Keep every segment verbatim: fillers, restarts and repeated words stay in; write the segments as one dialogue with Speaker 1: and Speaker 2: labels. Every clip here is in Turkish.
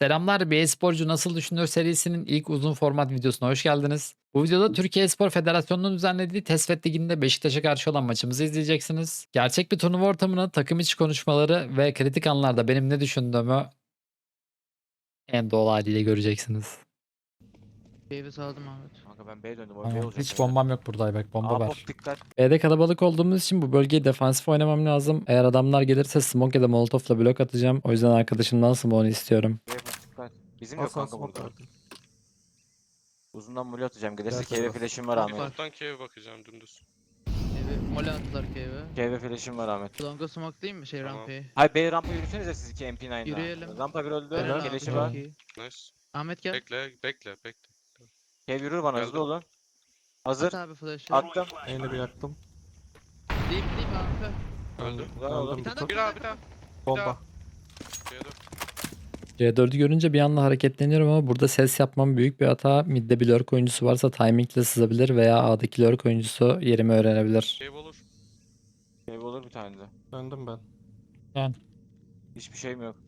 Speaker 1: Selamlar, bir e-sporcu nasıl düşünür serisinin ilk uzun format videosuna hoş geldiniz. Bu videoda Türkiye Espor Federasyonu'nun düzenlediği Tesfet Ligi'nde Beşiktaş'a karşı olan maçımızı izleyeceksiniz. Gerçek bir turnuva ortamını, takım içi konuşmaları ve kritik anlarda benim ne düşündüğümü en doğal haliyle göreceksiniz.
Speaker 2: Davis aldım Ahmet.
Speaker 3: Kanka ben B'ye döndüm. O B
Speaker 1: Tamam.
Speaker 3: olacak.
Speaker 1: Hiç bombam yok burada, bak bomba
Speaker 3: A
Speaker 1: var.
Speaker 3: pop dikkat.
Speaker 1: B'de kalabalık olduğumuz için bu bölgeyi defansif oynamam lazım. Eğer adamlar gelirse smoke ya da molotofla blok atacağım. O yüzden arkadaşımdan smoke'unu istiyorum.
Speaker 3: B pop dikkat. Bizim
Speaker 4: Al
Speaker 3: yok
Speaker 4: sana
Speaker 3: kanka
Speaker 4: smoke
Speaker 3: burada.
Speaker 4: verdim.
Speaker 3: Uzundan muli atacağım. Gelirse
Speaker 4: Gel
Speaker 3: K V
Speaker 4: sana.
Speaker 3: flash'im var
Speaker 2: Bak,
Speaker 3: Ahmet.
Speaker 2: bak.
Speaker 5: Alttan K'ye bakacağım dümdüz.
Speaker 2: Evi mole attılar cave'e.
Speaker 3: K V flash'im var Ahmet.
Speaker 2: Longa smoke değil mi şey
Speaker 5: Tamam.
Speaker 2: rampayı?
Speaker 3: Hayır B rampa yürüsenize siz iki M P nine'da.
Speaker 2: Yürüyelim.
Speaker 3: Rampa bir öldü.
Speaker 2: Helal
Speaker 3: Keleşi
Speaker 2: abi,
Speaker 3: var.
Speaker 2: çok iyi.
Speaker 5: Nice.
Speaker 2: Ahmet gel.
Speaker 5: Bekle, bekle, bekle.
Speaker 3: K V yürür bana
Speaker 5: Geldim.
Speaker 3: hızlı olun.
Speaker 2: At
Speaker 3: Hazır.
Speaker 2: abi flash'ı.
Speaker 3: Attım.
Speaker 4: Eyle bir yaktım.
Speaker 2: Deyip deyip abi.
Speaker 5: Öldü.
Speaker 3: Güzel oldu.
Speaker 2: Bir tane
Speaker 4: tut.
Speaker 5: Bir daha, bir daha.
Speaker 4: Bomba.
Speaker 5: K'ye dur.
Speaker 1: C dördü görünce bir anda hareketleniyorum ama burada ses yapmam büyük bir hata. Mid'de bir lurk oyuncusu varsa timingle sızabilir veya A'daki lurk oyuncusu yerimi öğrenebilir.
Speaker 5: Cave olur.
Speaker 3: K V olur bir tane de.
Speaker 4: Döndüm ben.
Speaker 1: Yani.
Speaker 3: Hiçbir şeyim yok.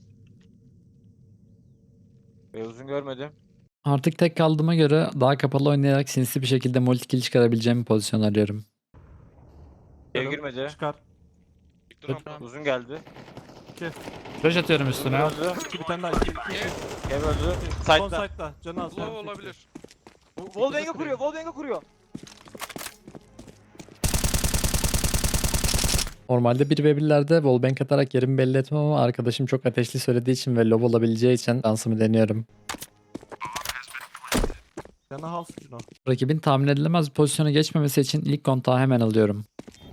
Speaker 3: B uzun görmedim.
Speaker 1: Artık tek kaldığıma göre daha kapalı oynayarak sinsi bir şekilde multi kill çıkarabileceğim bir pozisyon arıyorum.
Speaker 3: K V girmedi.
Speaker 4: Çıkar.
Speaker 5: Çıktı rampa.
Speaker 3: Uzun geldi.
Speaker 1: Flash atıyorum
Speaker 3: Uzun
Speaker 1: üstüne.
Speaker 3: öldü.
Speaker 4: İki bir tane daha. İki, iki, iki.
Speaker 3: K V öldü.
Speaker 4: Son
Speaker 3: Side'da.
Speaker 4: site'da. Canı az.
Speaker 5: Low olabilir.
Speaker 3: Wallbang'e kuruyor. Wallbang'e kuruyor.
Speaker 1: Normalde bir ve birlerde wallbang atarak yerimi belli etmem ama arkadaşım çok ateşli söylediği için ve low olabileceği için şansımı deniyorum.
Speaker 4: Canı hal suçuna.
Speaker 1: Rakibin tahmin edilemez bir pozisyona geçmemesi için ilk kontağı hemen alıyorum.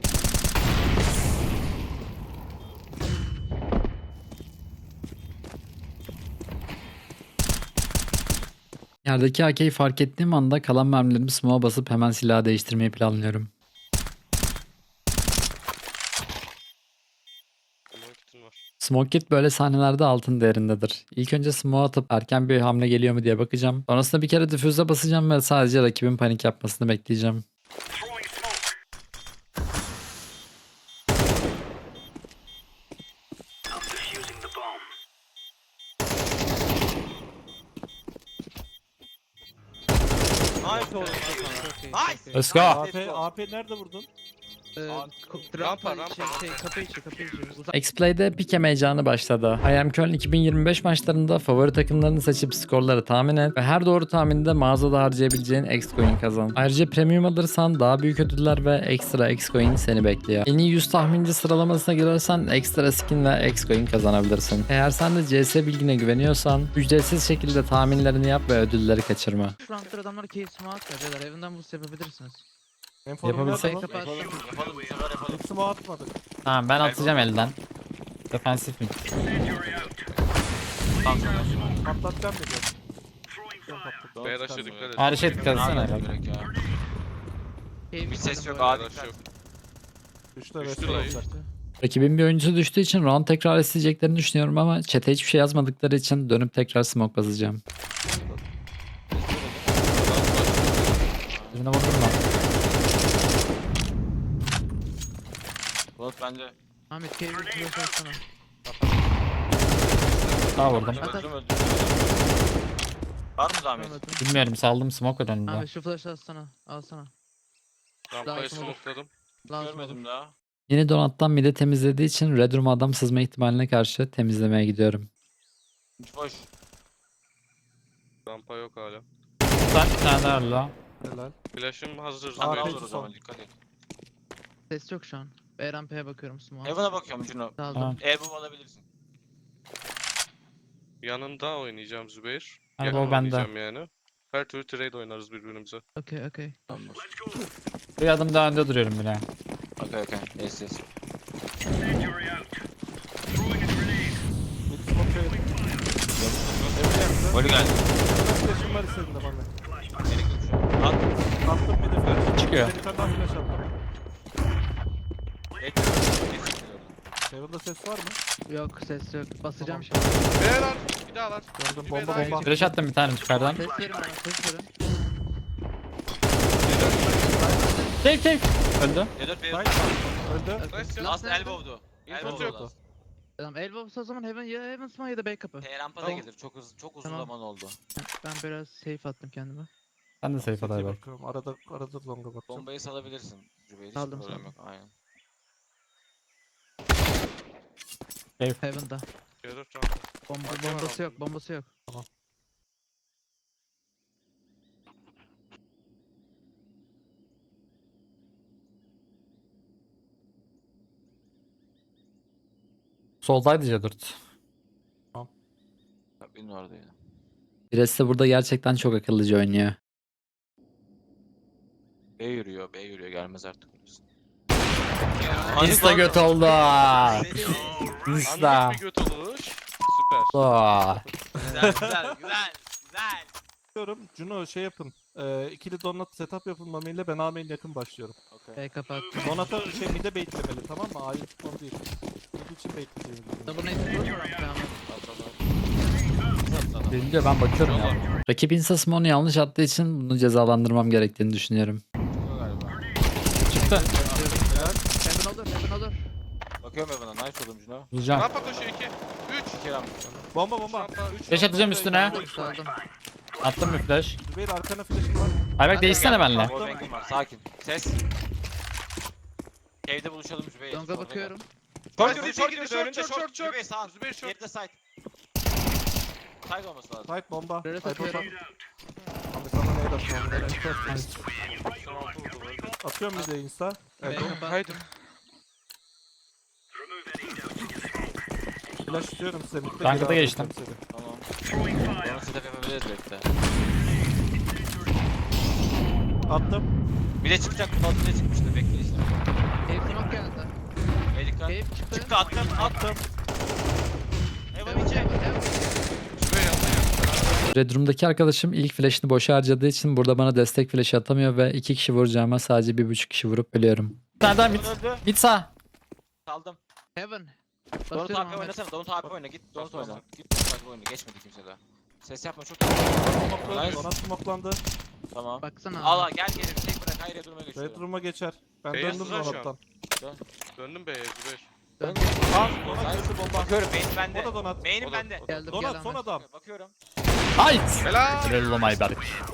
Speaker 1: Yerdeki A K'yi fark ettiğim anda kalan mermilerimi smoke'a basıp hemen silahı değiştirmeyi planlıyorum.
Speaker 5: Aman kitin var.
Speaker 1: Smoke kit böyle sahnelerde altın değerindedir. İlk önce smoke atıp erken bir hamle geliyor mu diye bakacağım. Sonrasında bir kere difüze basacağım ve sadece rakibin panik yapmasını bekleyeceğim.
Speaker 3: Nice oğlum.
Speaker 2: Çok iyi.
Speaker 3: Nice.
Speaker 2: çok iyi.
Speaker 1: Let's go.
Speaker 4: A P, A P nerede vurdun?
Speaker 2: Ee,
Speaker 3: Abi,
Speaker 2: ko-
Speaker 5: rampa,
Speaker 2: rampa şey,
Speaker 5: rampa.
Speaker 2: şey kapı içi kapı içi. Uzak.
Speaker 1: X-Play'de pik heyecanı başladı. I Am Köln iki bin yirmi beş maçlarında favori takımlarını seçip skorları tahmin et ve her doğru tahminde mağazada harcayabileceğin X-Coin kazan. Ayrıca premium alırsan daha büyük ödüller ve ekstra X-Coin seni bekliyor. En iyi yüz tahminci sıralamasına girersen ekstra skin ve X-Coin kazanabilirsin. Eğer sen de C S bilgine güveniyorsan ücretsiz şekilde tahminlerini yap ve ödülleri kaçırma.
Speaker 2: Şu roundlar adamlar cave smoke atıyor beyler. Evinden boost yapabilirsiniz.
Speaker 4: Enforum
Speaker 1: Yapabilsek.
Speaker 4: nerede lan?
Speaker 2: Kapattım.
Speaker 3: Yapalım bu sefer yapalım.
Speaker 4: Hiç smoke atmadık.
Speaker 1: Tamam, ben atacağım elden. Defensif mi?
Speaker 4: Patlatacağım dedi. Ben patlattım.
Speaker 5: B'ye rush'a dikkat et.
Speaker 1: Her şey dikkat etsene.
Speaker 3: Gerek ya.
Speaker 2: Cave
Speaker 3: Bir ses
Speaker 2: içi
Speaker 3: yok,
Speaker 2: böyle.
Speaker 3: abi.
Speaker 5: Rush yok.
Speaker 4: Düştü
Speaker 5: Düştü
Speaker 4: ve
Speaker 5: lan.
Speaker 4: olacak.
Speaker 1: Rakibin bir oyuncusu düştüğü için round tekrar isteyeceklerini düşünüyorum ama chat'e hiçbir şey yazmadıkları için dönüp tekrar smoke basacağım. Birine vurdum lan.
Speaker 3: Bulut bende.
Speaker 2: Ahmet cave'i flash atsana.
Speaker 1: Daha vurdum.
Speaker 2: At, at.
Speaker 3: Öldüm öldüm. Var mı zahmet?
Speaker 2: Anladım.
Speaker 1: Bilmiyorum, saldım smoke önünde.
Speaker 2: Ahmet şu flash'ı atsana. Alsana.
Speaker 5: Rampayı
Speaker 2: Daha sonra-
Speaker 5: smokeladım.
Speaker 2: Lazım
Speaker 3: Görmedim
Speaker 2: olur.
Speaker 3: daha.
Speaker 1: Yeni donattan mide temizlediği için Red Room adam sızma ihtimaline karşı temizlemeye gidiyorum.
Speaker 3: Hiç boş.
Speaker 5: Rampa yok hala.
Speaker 1: Sen bir tane daha öyle lan.
Speaker 4: Helal.
Speaker 5: Flash'ım hazır.
Speaker 3: Tamam
Speaker 4: Abi,
Speaker 5: Zübeyir.
Speaker 3: olur o
Speaker 4: son.
Speaker 3: zaman dikkat et.
Speaker 2: Ses yok şu an. B rampaya bakıyorum smoke.
Speaker 3: Evan'a bakıyorum Juno.
Speaker 2: Aldım.
Speaker 1: Tamam.
Speaker 3: Elbow alabilirsin.
Speaker 5: Yanında oynayacağım Zübeyir.
Speaker 1: Hadi
Speaker 5: Yakın
Speaker 1: o bende.
Speaker 5: oynayacağım yani. Her türlü trade oynarız birbirimize.
Speaker 2: Okey okey.
Speaker 1: Bir adım daha önde duruyorum bile.
Speaker 3: Okey okey. Yes yes.
Speaker 4: Mid smoke şey.
Speaker 3: Golü geldi.
Speaker 4: Flash'ım var istediğinde bana.
Speaker 3: Gerek yok şu an. At.
Speaker 4: Attım bir de flash.
Speaker 1: Çıkıyor.
Speaker 4: Bir tane daha flash attım.
Speaker 3: Bekle. Bekle.
Speaker 4: Heaven'da ses var mı?
Speaker 2: Yok ses yok. Basacağım
Speaker 4: Tamam.
Speaker 2: şimdi.
Speaker 5: B lan. Bir daha lan.
Speaker 4: Gördüm
Speaker 5: Bir
Speaker 4: bomba
Speaker 5: bedava
Speaker 4: bomba.
Speaker 1: Flash attım bir tane yukarıdan.
Speaker 2: Ses verin bana ses verin.
Speaker 1: Tek tek. Öldü.
Speaker 3: Yedir bir.
Speaker 4: Site. Öldü.
Speaker 5: Nice ya.
Speaker 3: Last elbow'du.
Speaker 5: İnfos
Speaker 3: Elbow'du
Speaker 5: yok.
Speaker 3: last.
Speaker 2: Tamam elbow o zaman heaven ya heaven smoke ya da B kapı.
Speaker 3: T rampa da
Speaker 2: Tamam.
Speaker 3: gelir. Çok uzun çok uzun
Speaker 2: Tamam.
Speaker 3: zaman oldu.
Speaker 2: Ben biraz safe attım kendime.
Speaker 1: Ben de safe aday bak.
Speaker 4: bakıyorum. Arada arada longa bakacağım.
Speaker 3: Bombayı salabilirsin. Zübeyir hiç
Speaker 2: Aldım,
Speaker 3: problem
Speaker 2: saldım.
Speaker 3: yok. Aynen.
Speaker 2: Heaven'da.
Speaker 5: Yarı rampa.
Speaker 2: Bomba,
Speaker 5: Arkadan
Speaker 2: bombası
Speaker 5: aldım.
Speaker 2: yok bombası yok.
Speaker 1: Soldaydı C dört.
Speaker 3: Bak benim oradaydı.
Speaker 1: Pires de burada gerçekten çok akıllıca oynuyor.
Speaker 3: B yürüyor. B yürüyor. Gelmez artık.
Speaker 1: Insta göt oldu. Insta.
Speaker 5: Anlık bir göt oluş. Süper.
Speaker 1: Aa.
Speaker 3: Güzel güzel güzel. Güzel.
Speaker 4: Diyorum Juno şey yapın. Ee, ikili donut setup yapın Mami ile ben A main yakın başlıyorum.
Speaker 3: Okay.
Speaker 2: B kapı attım.
Speaker 4: Donut'a şey mid'e baitlemeli tamam mı? A'yı tutmalı değil. Mid için baitleyeceğimiz düşünüyorum.
Speaker 2: Double nade vurur mu rampaya ama?
Speaker 1: Biliyor ben bakıyorum ya. Rakip Insta Smoke'unu yanlış attığı için bunu cezalandırmam gerektiğini düşünüyorum. Çıktı.
Speaker 2: Heaven olur heaven olur.
Speaker 3: Bakıyorum Evan'a. Nice oğlum Juno.
Speaker 1: Vuracağım.
Speaker 5: Rampa koşuyor iki. üç.
Speaker 3: İki rampa.
Speaker 4: Bomba bomba.
Speaker 5: Rampa üç.
Speaker 1: Flash atacağım üstüne.
Speaker 2: Saldım.
Speaker 1: Attım bir flash.
Speaker 4: Zübeyir arkana flash'ım var.
Speaker 1: Ayberk değişsene benimle.
Speaker 3: Wallbang'im var. Sakin. Ses. Evde buluşalım Zübeyir.
Speaker 2: Longa bakıyorum.
Speaker 3: Short
Speaker 5: Short,
Speaker 3: girdi,
Speaker 5: short
Speaker 3: short girdi,
Speaker 5: girdi,
Speaker 3: önünde
Speaker 5: short,
Speaker 3: short.
Speaker 5: short, short.
Speaker 3: Zübeyir sağ.
Speaker 5: Zübeyir short.
Speaker 3: Geride side. Side olması lazım.
Speaker 4: Side bomba.
Speaker 2: Rölet
Speaker 4: Side bomba.
Speaker 2: atıyorum.
Speaker 4: Abi sana nade atmam lazım.
Speaker 5: Son altı vurdu bu arada.
Speaker 4: Atıyorum bir de insta.
Speaker 2: B
Speaker 4: Evet.
Speaker 2: kapı
Speaker 5: Haydi.
Speaker 2: attım.
Speaker 4: Flash istiyorum size. mid'de
Speaker 1: Rankada
Speaker 4: geri
Speaker 1: geçtim.
Speaker 4: atacağım seni.
Speaker 3: Tamam. Bana setup yapabiliriz bekle.
Speaker 4: Attım.
Speaker 3: Bir de çıkacak. Fazla bile çıkmıştı. Bekle işte.
Speaker 2: Cave smoke geldi.
Speaker 3: Ve dikkat.
Speaker 2: Cave çıktı.
Speaker 3: Çıktı attım attım. Evan içi.
Speaker 2: Heaven.
Speaker 5: Zübeyir yanına gel.
Speaker 1: Red Room'daki arkadaşım ilk flash'ını boşa harcadığı için burada bana destek flash atamıyor ve iki kişi vuracağıma sadece bir buçuk kişi vurup ölüyorum. Nereden mid?
Speaker 3: Öldü.
Speaker 1: Mid sağ.
Speaker 3: Saldım.
Speaker 2: Heaven.
Speaker 3: Donut
Speaker 2: Basıyorum
Speaker 3: A P
Speaker 2: Ahmet.
Speaker 3: oynasana. Donut A P oyna. Git Donut
Speaker 5: Bas, bas,
Speaker 3: oyna. Git Donut A P oyna. Geçmedi kimse daha. Ses yapma çok iyi.
Speaker 4: Smoke'landı.
Speaker 3: Nice.
Speaker 4: Donut smoke'landı.
Speaker 3: Tamam.
Speaker 2: Baksana.
Speaker 3: Al al gel geri bir tek bırak. Hayır duruma
Speaker 4: Red
Speaker 3: geçiyorum.
Speaker 4: room'a geçer. Ben
Speaker 5: Beyaz
Speaker 4: döndüm
Speaker 5: uzak şu an.
Speaker 4: donut'tan.
Speaker 5: Döndüm B'ye Zübeyir.
Speaker 2: Dön.
Speaker 4: Al. Donut
Speaker 3: Nice.
Speaker 4: gördü bomba.
Speaker 3: Bakıyorum main bende.
Speaker 4: O da donut.
Speaker 3: Main'im
Speaker 5: O da-
Speaker 3: bende.
Speaker 5: o da-
Speaker 2: Geldim
Speaker 4: Donut
Speaker 2: gel
Speaker 4: son
Speaker 2: Ahmet.
Speaker 4: adam.
Speaker 3: Bakıyorum.
Speaker 1: Hayt.
Speaker 5: Helal.
Speaker 1: Helal oğlum Ayberk.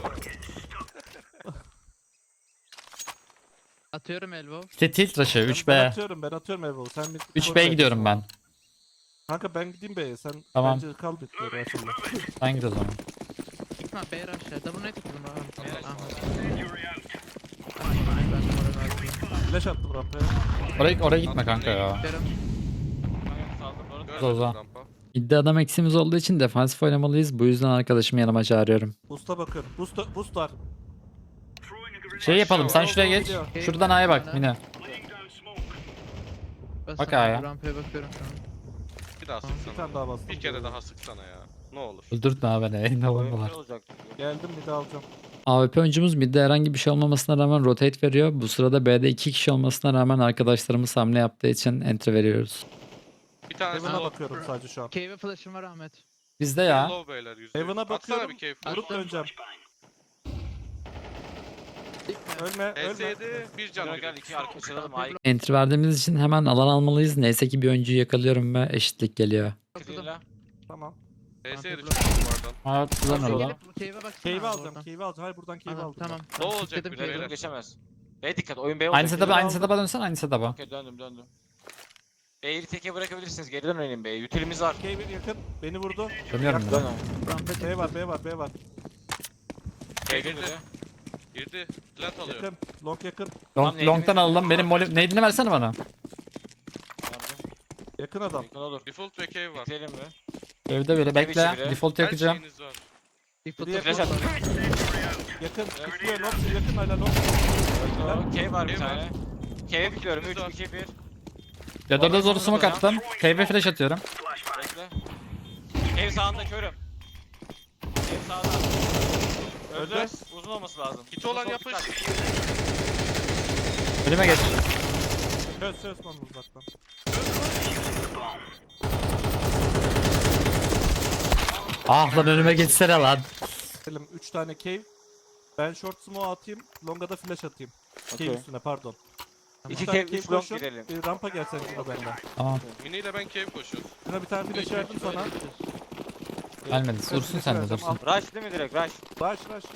Speaker 2: Atıyorum elbow.
Speaker 1: İşte tilt rush'ı üç
Speaker 4: Ben
Speaker 1: B.
Speaker 4: atıyorum ben atıyorum Erol. Sen bir
Speaker 1: üç B'ye gidiyorum ben.
Speaker 4: Kanka ben gideyim B'ye. Sen
Speaker 1: Tamam.
Speaker 4: bence kal bitmiyor Rasul'la.
Speaker 1: Ben git o zaman.
Speaker 2: Gitme B rush'a. Double nade tuttum
Speaker 3: B rush
Speaker 2: Ahmet.
Speaker 3: var.
Speaker 2: Ay, ben de moral verdim.
Speaker 4: Flash attım rampaya.
Speaker 1: Oraya, oraya gitme kanka ya.
Speaker 2: Atıyorum.
Speaker 3: Kanka saldım. Donut
Speaker 5: Görmedim
Speaker 1: Zoza.
Speaker 5: rampa.
Speaker 1: İddia adam eksimiz olduğu için defansif oynamalıyız. Bu yüzden arkadaşımı yanıma çağırıyorum.
Speaker 4: Boost'a bakıyorum. Boost, boost var.
Speaker 1: Şey yapalım sen şuraya geç. Şuradan A'ya bak Mine.
Speaker 2: Basın
Speaker 1: Bak A'ya.
Speaker 2: Rampaya bakıyorum şu an.
Speaker 5: Bir daha
Speaker 4: Bir
Speaker 5: sıksana.
Speaker 4: tane daha bastım.
Speaker 5: Bir kere daha sıksana ya. Ne olur.
Speaker 1: Öldürtme abi beni. Ne
Speaker 3: Oyun
Speaker 1: olur.
Speaker 3: güzel olacak.
Speaker 4: Geldim bir de alacağım.
Speaker 1: A W P oyuncumuz midde herhangi bir şey olmamasına rağmen rotate veriyor. Bu sırada B'de iki kişi olmasına rağmen arkadaşlarımız hamle yaptığı için entry veriyoruz.
Speaker 5: Bir tanesi
Speaker 4: Heaven'a
Speaker 5: low.
Speaker 4: bakıyorum sadece şu an.
Speaker 2: Cave'e flash'ım var Ahmet.
Speaker 1: Bizde ya.
Speaker 5: Low beyler yüzde.
Speaker 4: Heaven'a
Speaker 5: Atsana
Speaker 4: bakıyorum.
Speaker 5: bir cave flash.
Speaker 4: Vurup döneceğim.
Speaker 2: Gitme.
Speaker 4: Ölme,
Speaker 5: H
Speaker 4: ölme.
Speaker 5: S yedi bir can.
Speaker 3: Gel gel iki arka çalalım. Ay
Speaker 1: Entry verdiğimiz için hemen alan almalıyız. Neyse ki bir oyuncuyu yakalıyorum ve eşitlik geliyor.
Speaker 3: kırıyla.
Speaker 4: Tamam.
Speaker 5: H S yedi
Speaker 2: Mantıklı.
Speaker 5: çok bu arada.
Speaker 1: Evet güzel
Speaker 2: Gelip
Speaker 1: orada.
Speaker 2: bu cave'e baksana
Speaker 4: Cave'i
Speaker 2: abi
Speaker 4: alacağım.
Speaker 2: oradan.
Speaker 4: Cave'i alacağım. Hayır buradan cave
Speaker 2: Tamam
Speaker 4: aldım.
Speaker 2: tamam.
Speaker 5: Ne
Speaker 2: tamam,
Speaker 5: olacak
Speaker 2: kilitledim
Speaker 5: bir de
Speaker 2: cave'i.
Speaker 3: Beyler geçemez. B dikkat oyun B olacak.
Speaker 1: Aynı setup'a aynı
Speaker 4: aldım.
Speaker 1: setup'a dönsen aynı setup'a.
Speaker 3: Okey döndüm döndüm. B'yi teke bırakabilirsiniz. Geriden oynayın B'yi. Utilimiz var.
Speaker 4: Cave yakın. Beni vurdu.
Speaker 1: Dönüyorum
Speaker 3: Dön
Speaker 1: ben.
Speaker 3: abi.
Speaker 2: Rampa çıktı.
Speaker 4: B var, B var, B var.
Speaker 3: B
Speaker 5: Girdi.
Speaker 3: geliyor.
Speaker 5: Girdi. Plant alıyor.
Speaker 4: Yakın. Long yakın.
Speaker 1: Long,
Speaker 3: Tamam,
Speaker 1: long'tan
Speaker 3: neydi?
Speaker 1: alalım. Benim molly... Nade'ini versene bana.
Speaker 4: Yakın adam.
Speaker 3: Yakın olur.
Speaker 5: Default ve cave var.
Speaker 3: Bitirelim mi?
Speaker 1: Evde biri bekle.
Speaker 3: içi biri.
Speaker 1: Default
Speaker 5: Her
Speaker 1: yakacağım.
Speaker 5: şeyiniz var.
Speaker 2: Bir
Speaker 4: Bir
Speaker 2: fotoğraf
Speaker 3: Flash
Speaker 2: var.
Speaker 3: at.
Speaker 4: Yakın. Tutuyor. Long yakın hala long.
Speaker 3: K var bir
Speaker 5: K var.
Speaker 3: tane. K'ye bitiyorum.
Speaker 5: İkimiz var.
Speaker 3: üç, iki, bir.
Speaker 1: Ya dörde zoru smoke attım. Cave'e flash atıyorum.
Speaker 3: Bekle. Ev sağında körüm. Ev sağda. Öldü.
Speaker 4: Öldü.
Speaker 3: Uzun olması lazım.
Speaker 5: Hit olan
Speaker 3: Sol
Speaker 5: yapış.
Speaker 3: dikkat.
Speaker 1: Önüme geç.
Speaker 4: Söz söz bana uzaktan.
Speaker 1: Ah lan önüme geçsene lan.
Speaker 4: Elim üç tane cave. Ben short smoke atayım. Long'a da flash atayım. Cave
Speaker 3: Okey.
Speaker 4: üstüne pardon.
Speaker 3: İki
Speaker 4: tane
Speaker 3: kev,
Speaker 4: cave
Speaker 3: üç long
Speaker 4: koşun.
Speaker 3: girelim.
Speaker 4: Bir rampa gelsen Cino benden.
Speaker 1: Tamam.
Speaker 5: Mini ile ben cave koşuyorum.
Speaker 4: Cino bir tane flash verdim sana.
Speaker 1: Gelmedi.
Speaker 4: Ben
Speaker 1: Dursun
Speaker 4: flash
Speaker 1: sen de
Speaker 4: vereceğim,
Speaker 1: dursun.
Speaker 3: Rush değil mi direkt rush?
Speaker 4: al. Rush rush.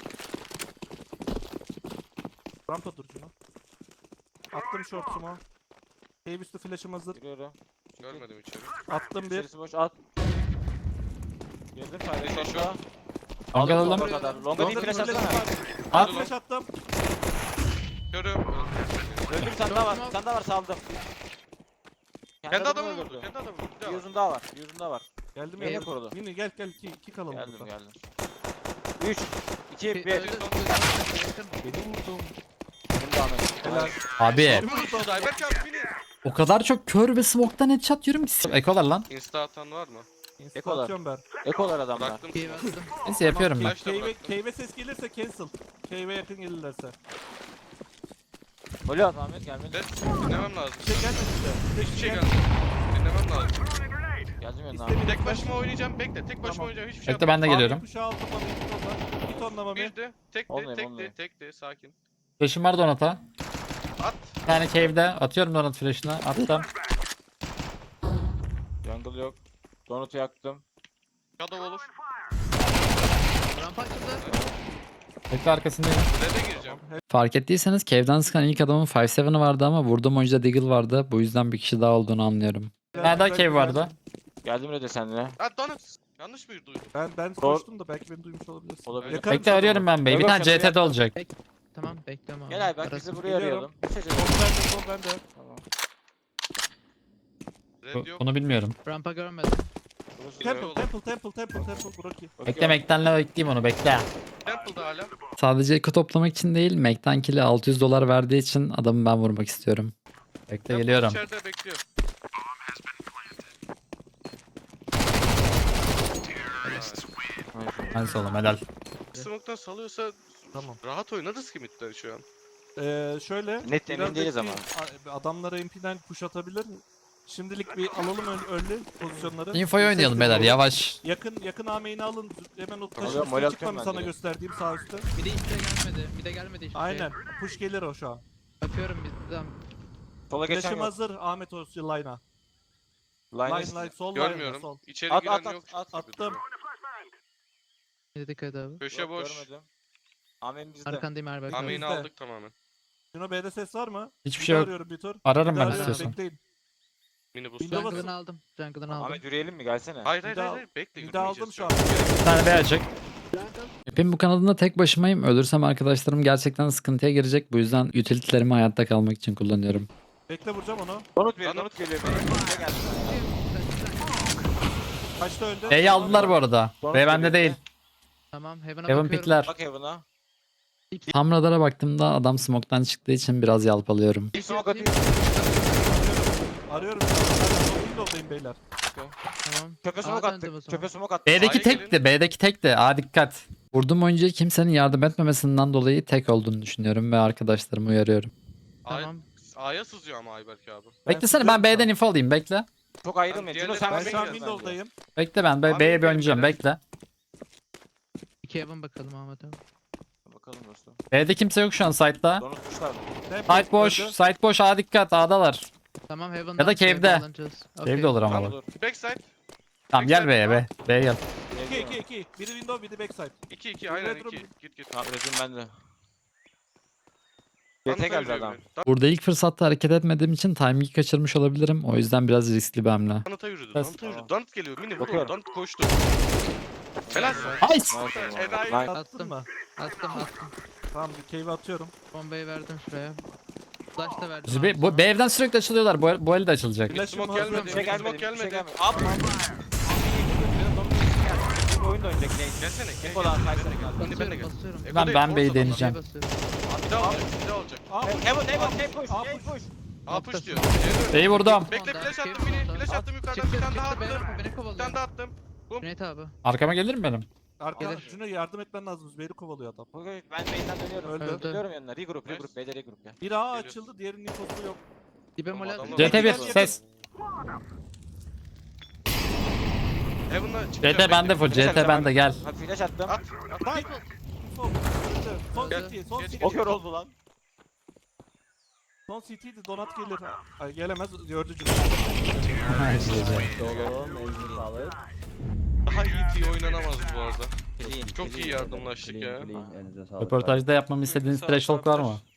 Speaker 4: Rampa dur Cino. Attım short'umu. Cave üstü flash'ım hazır.
Speaker 3: Giriyorum.
Speaker 5: Görmedim içeri.
Speaker 4: Attım bir.
Speaker 3: İçerisi boş at. Girdim
Speaker 5: Beş
Speaker 3: sayda
Speaker 5: eşo.
Speaker 3: short'a.
Speaker 1: Longa
Speaker 3: Longa
Speaker 1: alalım.
Speaker 3: kadar. Longa bir
Speaker 4: Longa
Speaker 3: flash
Speaker 4: flash
Speaker 3: atsana.
Speaker 4: var.
Speaker 1: At.
Speaker 4: At flash attım.
Speaker 5: Görüyorum.
Speaker 3: Öldüm bir tane daha var. Bir tane daha var saldım.
Speaker 5: Kendi adamı
Speaker 3: öldürdü.
Speaker 5: vurdu. Kendi adamı vurdu. Bir daha
Speaker 3: Bir
Speaker 5: var.
Speaker 3: uzun daha var. Bir uzun daha var.
Speaker 4: Geldim
Speaker 3: Beni
Speaker 4: ya.
Speaker 3: korudu.
Speaker 4: Mini gel gel iki, iki kalalım
Speaker 3: Geldim
Speaker 4: burada.
Speaker 3: geldim. üç, iki, bir.
Speaker 2: Öldü,
Speaker 3: Benim
Speaker 2: öldü,
Speaker 4: Beni vurdum.
Speaker 3: de anladım.
Speaker 4: Helal.
Speaker 1: Abi
Speaker 5: Vurdu. Ayberk abi mini.
Speaker 1: o kadar çok kör ve smoke'tan headshot yiyorum ki. Ekolar lan.
Speaker 5: Insta atan var mı?
Speaker 4: Insta atıyorum ben.
Speaker 3: Ekolar adamlar.
Speaker 5: Bıraktım.
Speaker 2: Cave attım.
Speaker 1: Neyse yapıyorum ben.
Speaker 5: Flash da
Speaker 4: Cave'e
Speaker 5: bıraktım.
Speaker 4: cave'e ses gelirse cancel. Cave'e yakın gelirlerse.
Speaker 3: Golü at Ahmet gelmedi.
Speaker 5: Ses dinlemem lazım.
Speaker 4: Bir şey gelmedi işte.
Speaker 5: Hiçbir şey
Speaker 4: Gel-
Speaker 5: gelmedi. Dinlemem lazım.
Speaker 3: Geldim yanına.
Speaker 4: İstemiyorum.
Speaker 5: Tek başıma oynayacağım. Bekle. Tek başıma
Speaker 4: Tamam.
Speaker 5: oynayacağım. Hiçbir şey
Speaker 1: Bekle ben de
Speaker 4: Abi
Speaker 1: geliyorum.
Speaker 4: kuşağı aldım mami. Bir tonla. Bir tonla mami.
Speaker 5: Birdi. Tekti.
Speaker 3: Olmuyor,
Speaker 5: Tekti.
Speaker 3: olmuyor.
Speaker 5: Tekti. Sakin.
Speaker 1: Flash'ım var Donat'a.
Speaker 5: At.
Speaker 1: Bir tane cave'de. Atıyorum Donat flash'ını. Attım.
Speaker 3: Jungle yok. Donut'u yaktım.
Speaker 5: Shadow olur.
Speaker 2: Rampa açıldı.
Speaker 1: Bekle arkasındayım.
Speaker 5: Red'e gireceğim.
Speaker 1: Fark ettiyseniz cave'den sıkan ilk adamın beş yedi'ı vardı ama vurduğum oyuncuda Deagle vardı. Bu yüzden bir kişi daha olduğunu anlıyorum. Bir tane daha cave vardı.
Speaker 3: Geldim öyle seninle.
Speaker 5: At donut. Yanlış mı duydum?
Speaker 4: Ben ben
Speaker 3: Doğru.
Speaker 4: koştum da belki beni duymuş olabilirsin.
Speaker 3: Olabilir.
Speaker 4: Yakarım
Speaker 1: Bekle
Speaker 4: sana
Speaker 1: arıyorum
Speaker 4: onu.
Speaker 1: ben B'yi. Bir
Speaker 3: Yok,
Speaker 1: tane
Speaker 3: yok,
Speaker 1: C T'de olacak.
Speaker 2: Tamam bekliyorum abi.
Speaker 3: Gel abi bak
Speaker 2: Arası-
Speaker 3: bizi buraya
Speaker 4: Geliyorum.
Speaker 3: arayalım.
Speaker 4: Sol bende sol bende.
Speaker 3: Tamam.
Speaker 5: Red yok.
Speaker 1: Bunu bilmiyorum.
Speaker 2: Rampa görmedim.
Speaker 3: Burası
Speaker 4: Temple
Speaker 5: oğlum.
Speaker 4: temple temple temple temple Burak iyi.
Speaker 1: Bekle Mac'tenle bekleyeyim onu bekle.
Speaker 5: Temple'da hala.
Speaker 1: Sadece eko toplamak için değil, Mac'ten kill'e altı yüz dolar verdiği için adamı ben vurmak istiyorum. Bekle
Speaker 5: Temple
Speaker 1: geliyorum.
Speaker 5: içeride bekliyor.
Speaker 1: Hadi oğlum helal.
Speaker 5: Smoke'tan salıyorsa
Speaker 4: Tamam.
Speaker 5: rahat oynarız ki midden şu an.
Speaker 4: Ee, şöyle.
Speaker 3: Net
Speaker 4: biraz
Speaker 3: emin değiliz ama.
Speaker 4: bekleyin. A- Adamlara M P'den push atabilir. Şimdilik bir alalım ön, önlü pozisyonları.
Speaker 1: Info'yu
Speaker 4: Bir
Speaker 1: oynayalım
Speaker 4: ses
Speaker 1: beyler
Speaker 4: duyalım.
Speaker 1: yavaş.
Speaker 4: Yakın yakın A main'i alın. Hemen o taşı
Speaker 3: Alıyorum, mole
Speaker 4: üstüne
Speaker 3: atıyorum
Speaker 4: çıkmamı
Speaker 3: ben
Speaker 4: sana
Speaker 3: direkt.
Speaker 4: gösterdiğim sağ üstte.
Speaker 2: Bir de hiçbir şey gelmedi. Bir de gelmedi hiçbir
Speaker 4: Aynen.
Speaker 2: şey.
Speaker 4: Push gelir o şu an.
Speaker 2: Bakıyorum bizden.
Speaker 3: Sola geçen
Speaker 4: Flash'ım
Speaker 3: yok.
Speaker 4: hazır. Ahmet Oscu line'a.
Speaker 3: Line
Speaker 4: Line
Speaker 3: üstü.
Speaker 4: line sol line
Speaker 5: Görmüyorum.
Speaker 4: sol.
Speaker 5: İçeri
Speaker 3: At,
Speaker 5: giren
Speaker 3: at, at,
Speaker 5: yok.
Speaker 3: at.
Speaker 5: gibi
Speaker 4: Attım.
Speaker 5: duruyor.
Speaker 2: Ne dikkat abi.
Speaker 5: Köşe
Speaker 3: Yok,
Speaker 5: boş.
Speaker 3: görmedim. Amen bizde.
Speaker 2: Arkandayım Erbek.
Speaker 5: Ameyini
Speaker 4: Bizde.
Speaker 5: aldık tamamen.
Speaker 4: Şuna B'de ses var mı?
Speaker 1: Hiçbir
Speaker 4: Bir
Speaker 1: şey
Speaker 4: daha
Speaker 1: yok.
Speaker 4: arıyorum bir tur.
Speaker 1: Ararım
Speaker 4: Bir
Speaker 1: ben
Speaker 4: daha arıyorum,
Speaker 1: istiyorsan.
Speaker 4: bekleyin.
Speaker 5: Mini boost.
Speaker 4: Windows-
Speaker 2: Jungle'ını aldım. Jungle'ını aldım.
Speaker 3: Ahmet yürüyelim mi gelsene.
Speaker 5: Hayır hayır
Speaker 4: Bir daha-
Speaker 5: hayır. Bekle.
Speaker 4: Bir daha aldım
Speaker 5: yürümeyeceğiz
Speaker 4: şu an.
Speaker 1: Bir tane B açık. Hepim bu kanalında tek başımayım. Ölürsem arkadaşlarım gerçekten sıkıntıya girecek. Bu yüzden utility'lerimi hayatta kalmak için kullanıyorum.
Speaker 4: Bekle vuracağım onu.
Speaker 3: Donut bir
Speaker 5: Donut.
Speaker 3: donut geliyor. Bize geldi.
Speaker 4: Kaçta öldü?
Speaker 1: B'yi aldılar bu arada.
Speaker 3: Donut
Speaker 1: B bende
Speaker 3: geliyor.
Speaker 1: değil.
Speaker 2: Tamam Heaven'a
Speaker 1: Heaven
Speaker 2: bakıyorum.
Speaker 1: pikler.
Speaker 3: Bak Heaven'a.
Speaker 1: Tam radara baktığımda adam smoke'tan çıktığı için biraz yalpalıyorum.
Speaker 3: Bir smoke atayım.
Speaker 4: Arıyorum. Ben Windows'dayım beyler.
Speaker 2: Tamam.
Speaker 3: Çöpe
Speaker 2: Aa,
Speaker 3: smoke
Speaker 2: döndüm
Speaker 3: attık.
Speaker 2: o zaman.
Speaker 3: Çöpe smoke attık.
Speaker 1: B'deki
Speaker 5: A'ya
Speaker 1: tekti. B'deki tekti. Aa dikkat. Vurduğum oyuncuya kimsenin yardım etmemesinden dolayı tek olduğunu düşünüyorum ve arkadaşlarımı uyarıyorum.
Speaker 5: A'ya
Speaker 2: Tamam.
Speaker 5: A'ya sızıyor ama Ayberk abi.
Speaker 1: Beklesene ben
Speaker 4: sızıyorum
Speaker 1: B'den info alayım bekle.
Speaker 3: Çok ayrılmayın.
Speaker 5: Ben
Speaker 3: Cino sen
Speaker 4: Ben
Speaker 3: ben
Speaker 4: şu an
Speaker 3: bekliyorsun
Speaker 4: Windows'dayım.
Speaker 1: Bekle ben B-
Speaker 5: Abi,
Speaker 1: B'ye bir
Speaker 5: benim
Speaker 1: oynayacağım
Speaker 5: biraz-
Speaker 1: bekle.
Speaker 2: İki Heaven bakalım Ahmet abi.
Speaker 3: bence. Bakalım dostum.
Speaker 1: B'de kimse yok şu an site'da.
Speaker 3: Donut kuşlar.
Speaker 4: Temple
Speaker 1: Site boş.
Speaker 4: öldü.
Speaker 1: Site boş. Aa dikkat. A'dalar.
Speaker 2: Tamam Heaven'dan
Speaker 1: Ya da cave'de.
Speaker 2: alınacağız.
Speaker 1: Cave'de
Speaker 2: Okey.
Speaker 1: olur ama.
Speaker 3: Tamam
Speaker 1: bak.
Speaker 3: dur.
Speaker 5: Backside.
Speaker 1: Tamam gel B'ye B. B'ye gel.
Speaker 4: iki iki iki. Biri window biri backside.
Speaker 5: iki iki aynen
Speaker 4: Redrum.
Speaker 5: iki. Git git.
Speaker 3: Tamam rezim bende.
Speaker 5: Donut'a
Speaker 3: G T geldi
Speaker 5: yürüyor
Speaker 3: adam.
Speaker 5: biri.
Speaker 1: Burada ilk fırsatta hareket etmediğim için timing'i kaçırmış olabilirim. O yüzden biraz riskli bir hamle.
Speaker 5: Donut'a yürüdü.
Speaker 1: Bas.
Speaker 5: Donut'a yürüdü.
Speaker 3: Tamam.
Speaker 5: Donut geliyor. Mini vur.
Speaker 3: Bakıyorum.
Speaker 5: Donut koştu. Helal.
Speaker 1: Nice.
Speaker 3: Nice.
Speaker 5: Enayi.
Speaker 3: Line.
Speaker 4: Attın
Speaker 2: Attım.
Speaker 4: mı?
Speaker 2: Attım attım.
Speaker 4: Tamam bir cave atıyorum.
Speaker 2: Bombayı verdim şuraya. Flash da verdim.
Speaker 1: Biz
Speaker 2: abi
Speaker 1: B, bu,
Speaker 2: sana.
Speaker 1: B evden sürekli açılıyorlar. Bu, bu el de açılacak.
Speaker 4: Flash'ım
Speaker 5: Smoke
Speaker 4: hazır.
Speaker 5: gelmedi.
Speaker 3: Bir şey gelmedi.
Speaker 5: Smoke
Speaker 3: Bir şey
Speaker 5: gelmedi.
Speaker 3: gelmedi. Abi. Bir oyun da oynayacak ne?
Speaker 5: Gelsene. Gel.
Speaker 3: Eko'dan
Speaker 5: gel.
Speaker 3: kaysana
Speaker 5: Ben de-
Speaker 3: geldi.
Speaker 5: Ben de gel.
Speaker 2: Basıyorum basıyorum.
Speaker 5: Eko
Speaker 1: Ben-
Speaker 5: değil,
Speaker 1: ben
Speaker 5: force
Speaker 1: B'yi
Speaker 5: adamlar.
Speaker 1: deneyeceğim.
Speaker 2: Şuraya basıyorum.
Speaker 5: Abi bir daha olacak. Bir daha olacak.
Speaker 4: Aa,
Speaker 3: Heaven Heaven Heaven push.
Speaker 2: Aa,
Speaker 3: Heaven push.
Speaker 5: A push diyor.
Speaker 1: B'yi vurdum.
Speaker 5: Bekle
Speaker 2: Sonda,
Speaker 5: flash attım
Speaker 2: cave
Speaker 5: mini.
Speaker 2: sonda.
Speaker 5: Flash attım yukarıdan
Speaker 2: Çıktı
Speaker 5: bir tane daha
Speaker 2: çıktı
Speaker 5: attım.
Speaker 2: beni, beni
Speaker 5: Bir
Speaker 2: kovalıyor.
Speaker 5: tane daha attım.
Speaker 2: Cüneyt abi.
Speaker 1: Arkama gelir mi benim?
Speaker 4: Arka
Speaker 2: Gelir.
Speaker 4: Cüneyt yardım etmen lazım. Beni kovalıyor adam.
Speaker 3: Bugün ben main'den dönüyorum.
Speaker 4: Öldü.
Speaker 2: Öldü.
Speaker 3: Dönüyorum yanına. Regroup regroup. B'de regroup ya.
Speaker 4: Bir A
Speaker 5: Geliyor.
Speaker 4: açıldı. Diğerinin infosu yok.
Speaker 2: Dibe
Speaker 5: Tamam,
Speaker 2: mola.
Speaker 5: adamlar-
Speaker 1: C T bir
Speaker 4: Gel, gel,
Speaker 1: ses.
Speaker 5: Heaven'la
Speaker 1: C
Speaker 5: çıkacağım.
Speaker 1: T bende full. C T bende gel.
Speaker 3: Bak flash attım.
Speaker 5: At. At.
Speaker 4: Info. Öldü. Son
Speaker 5: Gel,
Speaker 4: city. Son
Speaker 5: geç,
Speaker 4: city.
Speaker 3: O kör oldu lan.
Speaker 4: Son C T'di donat gelir. Ay, gelemez gördü cümle.
Speaker 6: Dolu, mevzu sağlık.
Speaker 5: Daha iyi T oynanamaz bu arada.
Speaker 6: Clean,
Speaker 5: Çok
Speaker 6: clean,
Speaker 5: iyi yardımlaştık
Speaker 6: clean,
Speaker 5: ya.
Speaker 6: clean. Elinize sağlık.
Speaker 1: Röportajda yapmamı istediğiniz
Speaker 5: Sağ-
Speaker 1: threshold
Speaker 5: sağ-
Speaker 1: var mı?